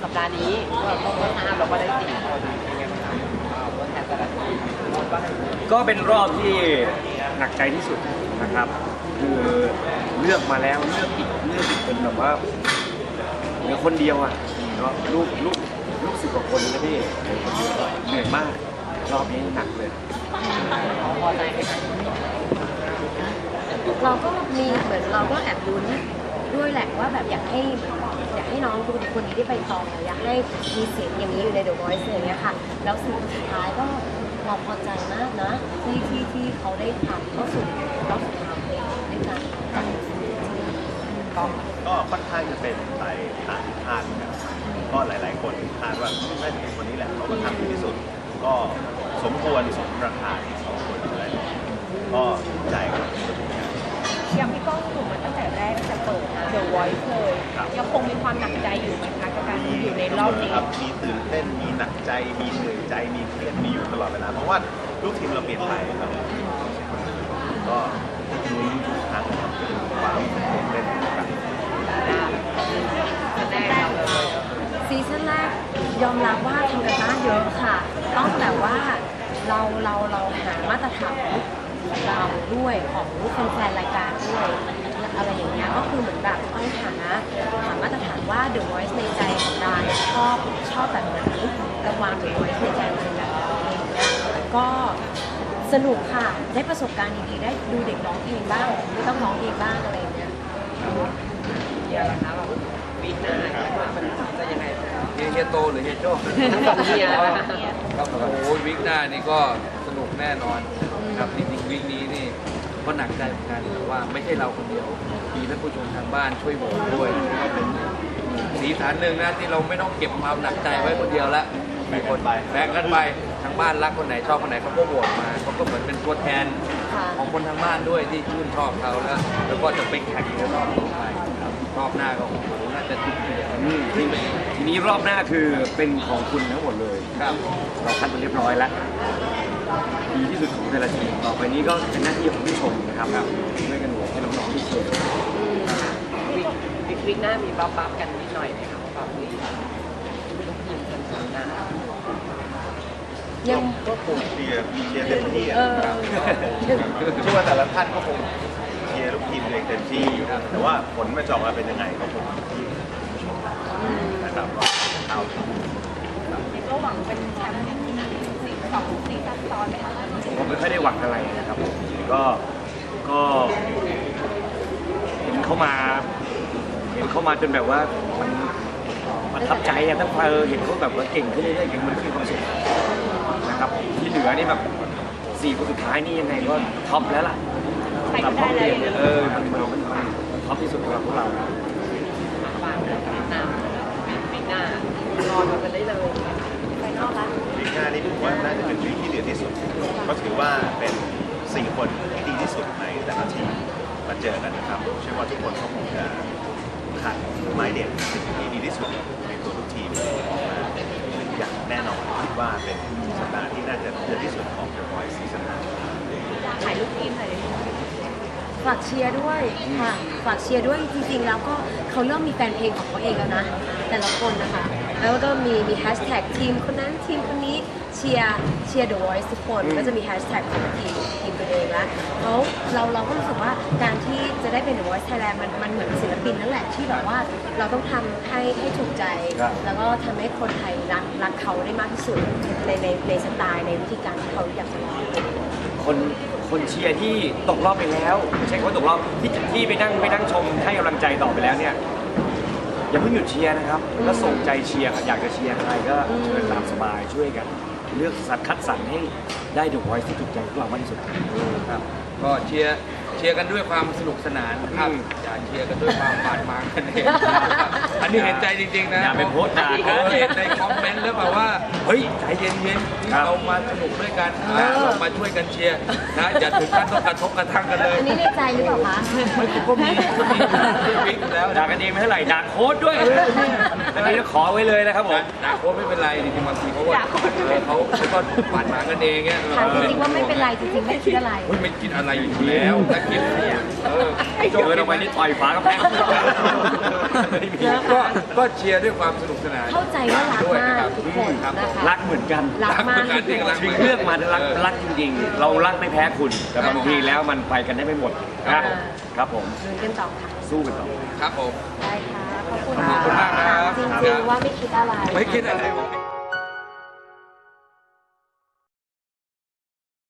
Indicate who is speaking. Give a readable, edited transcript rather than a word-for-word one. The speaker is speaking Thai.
Speaker 1: สัปดาห์นี้เราต้องห้ามเราก็ได้4 คนเป็นไงบ้างครับตัวแทนแต่ละทีม
Speaker 2: ก็เป็นรอบที่หนักใจที่สุดนะครับ คือเลือกมาแล้วเลือกอีกเป็นแบบว่าเหลือคนเดียวอ่ะเนาะลูก10 กว่าคนนะพี่เหนื่อยมากรอบนี้หนักเลย
Speaker 1: พอใจไหมครับ
Speaker 3: เราก็มีเหมือนเราก็แอบลุ้นด้วยแหละว่าแบบอยากให้น้องคนนี้ได้ไปต่ออยากให้มีเสียงอย่างนี้อยู่ใน The Voice อย่างเงี้ยค่ะแล้วสิ่งสุดท้ายก็เราพอใจมากนะที่เขาได้ผ่านเข้าสู่รอบสุดท้ายด้วยกัน
Speaker 4: ก็ค่อนข้างจะเป็นไปตามที่คาดนะครับก็หลาย ๆ คนคาดว่าน่าจะเป็นคนนี้แหละเขาก็ทำดีที่สุด ก็สมควรสมราคาที่เขาควรจะได้ก็ใจครับ
Speaker 5: อย่างพี่ก้องอยู่มาตั้งแต่แรกตั้งแต่เปิด The Voice เลยยังคงมีความหนักใจอยู่ไหมคะกับการอยู่ในรอบนี้
Speaker 4: ครับมีตื่นเต้นมีหนักใจมีเหนื่อยใจมีเครียดมีอยู่ตลอดเวลาเพราะว่าลูกทีมเราเปลี่ยนไปครับก็ลุ้นทุกครั้งครับความตื่นเต้นกัน
Speaker 1: แรกเรา
Speaker 3: ซีซั่นแรกยอมรับว่าทำกันบ้านเยอะค่ะ ต้องแบบว่าเราหามาตรฐานเราด้วยของแฟนๆรายการด้วยอะไรอย่างเงี้ยก็คือเหมือนแบบต้องหามาตรฐานว่า The Voice ในใจของดาเนี่ยชอบแบบไหนระวาง The Voice ในใจเป็นแบบไหนอะไรอย่างเงี้ยก็สนุกค่ะได้ประสบการณ์ดีๆได้ดูเด็กร้องเพลงบ้างไม่ต้องร้องเองบ้างอะไรอย่างเงี้ย
Speaker 1: เดียวละคะแบบปีหน้ามันจะยังไงบ้างครับ
Speaker 6: เฮียโตหรือเฮียโจ้
Speaker 1: ทั้งสองเดียนะคะ
Speaker 6: ครับโอ้ยวิกหน้านี่ก็สนุกแน่นอนครับจริงๆวิกนี้นี่ก็หนักใจเหมือนกันแต่ว่าไม่ใช่เราคนเดียวมีท่านผู้ชมทางบ้านช่วยโหวตด้วยก็เป็นสีสันหนึ่งนะที่เราไม่ต้องเก็บความหนักใจไว้คนเดียวละมีคนแบ่งกันไปทางบ้านรักคนไหนชอบคนไหนเขาก็โหวตมาเขาก็เหมือนเป็นตัวแทนของคนทางบ้านด้วยที่ชื่นชอบเขาแล้วก็จะไปแข่งในรอบต่อไปครับรอบหน้าก็โอ้โหน่าจะดุเดือด
Speaker 2: ทีนี้รอบหน้าคือเป็นของคุณทั้งหมดเลย
Speaker 6: ครับ
Speaker 2: เราคัดมาเรียบร้อยแล้วดีที่สุดของแต่ละทีมต่อไปนี้ก็เป็นหน้าที่ของผู้ชมนะครับช่วยกันโหวตให้น้องๆที่เชียร์
Speaker 1: วิกหน้ามีบัฟกันนิดหน่อยไหมครับแบบมีลูกทีมคนชนะ
Speaker 3: ยัง
Speaker 4: ก็คงเชียร์เต็มที่
Speaker 3: เออ
Speaker 4: ครับเชื่อว่าแต่ละท่านก็คงเชียร์ลูกทีมตัวเองเต็มที่แต่ว่าผลมันจะออกมาเป็นยังไงก็คงที่ผู้ชมนะครับก็เอา
Speaker 5: ก็หวังเป็นแชมป์2 ซีซั่นซ้อนไหมคะ
Speaker 2: ผมไม่ค่อยได้หวังอะไรนะครับก็เห็นเข้ามาจนแบบว่ามันประทับใจอะถ้าเห็นเขาแบบว่าเก่งขึ้นเรื่อยๆเก่งมันก็มีความสุขนะครับที่เหลือนี่แบบ4 คนสุดท้ายนี่ยังไงก็ท็อปแล้วล่ะ
Speaker 5: ไปก็ได้เลย
Speaker 2: มันท็อปที่สุดสำหรับพวกเรา
Speaker 1: ฝากเลยกับน้ำวิกหน้ารอดูกันได้เลย
Speaker 5: ไปนอกละ
Speaker 4: วีคหน้านี่ผมว่าน่าจะเป็นวีคที่เดือดที่สุดก็ถือว่าเป็น4 คนที่ดีที่สุดในแต่ละทีมมาเจอกันนะครับเชื่อว่าทุกคนก็คงจะขัดไม้เด็ดที่ดีที่สุดในตัวทุกทีมออกมาอย่างแน่นอนคิดว่าเป็นสัปดาห์ที่น่าจะเดือดที่สุดของ The Voice ซีซั่น
Speaker 5: ถ่ายรูปทีมหน่อยเลย
Speaker 3: ฝากเชียร์ด้วยค่ะฝากเชียร์ด้วยจริงๆแล้วก็เขาเริ่มมีแฟนเพลงของเขาเองแล้วนะแต่ละคนนะคะแล้วก็มีแฮชแท็กทีมคนนั้นทีมคนนี้เชียร์ The Voice ทุกคนก็จะมีแฮชแท็กของทีมตัวเองแล้วเราก็รู้สึกว่าการที่จะได้เป็น The Voice Thailand มันเหมือนศิลปินนั่นแหละที่แบบว่าเราต้องทำให้ถูกใจ แล้วก็ทำให้คนไทยรักเขาได้มากที่สุดในสไตล์ในวิธีการที่เขาอยากจะร้อง
Speaker 2: คนเชียร์ที่ตกรอบไปแล้วไม่ใช่เขาตกรอบที่ไปนั่งชมให้กำลังใจต่อไปแล้วเนี่ยอย่าเพิ่งหยุดเชียร์นะครับแล้วส่งใจเชียร์อยากจะเชียร์ใครก็เชิญตามสบายช่วยกัน เลือกคัดสรรให้ได้The Voiceที่ถูกใจพวกเรามากที่สุด
Speaker 6: ครับก็เชียร์กันด้วยความสนุกสนานครับอย่าเชียร์กันด้วยความบาดหมางกันเองอันนี้เห็นใจจริงๆนะ
Speaker 2: อย่าไปโพสต์ด่า
Speaker 6: เห็นในคอมเมนต์แล้วแบบว่าเฮ้ยใจเย็นๆเรามาสนุกด้วยกันนะเรามาช่วยกันเชียร์นะอย่าถึงขั้นต้องกระทบกระทั่งกันเลย
Speaker 3: อันนี้ในใจหรือเปล่าคะ
Speaker 6: ไม่ก็มีวิกแล้ว
Speaker 2: ด่ากันเองไม่เท่าไหร่ด่าโค้ดด้วยอันนี้ขอไว้เลยนะครับผม
Speaker 6: ด่าโค้ชไม่เป็นไรจริงๆบางทีเขาก็เขาก็ปั่นมากันเองเนี่ย
Speaker 3: ถามจริงๆว่าไม่เป็นไรจริงๆไม่ได้คิดอะไร
Speaker 6: ไม่คิดอะไรอยู่แล้วถ้าคิด
Speaker 2: เดินออกไปนี่ต่อยฝากระแพง
Speaker 6: ก็เชียร์ด้วยความสนุกสนาน
Speaker 3: เข้าใจว่ารัก
Speaker 6: ด้วย
Speaker 3: มา
Speaker 6: นะค
Speaker 3: ก
Speaker 6: รับ
Speaker 3: ทุกคน
Speaker 6: ครับ
Speaker 3: นะคะ
Speaker 2: รักเหมือนกัน
Speaker 3: รักมาก
Speaker 6: รักเหมือนกันที่รัก
Speaker 2: ถึงเลือกมารักจริงๆ เรารักไม่แพ้คุณ แต่บางทีแล้วมันไปกันได้ไม่หมดนะครับผม
Speaker 3: เดินกันต่อค่ะ
Speaker 2: สู้กันต่อ
Speaker 6: ครับผม
Speaker 3: ได้ค่ะ ขอบคุณ
Speaker 6: ขอบคุณมากครับ
Speaker 3: ถามจริงๆว่าไม่คิดอะไร
Speaker 6: ไม่คิดอะไร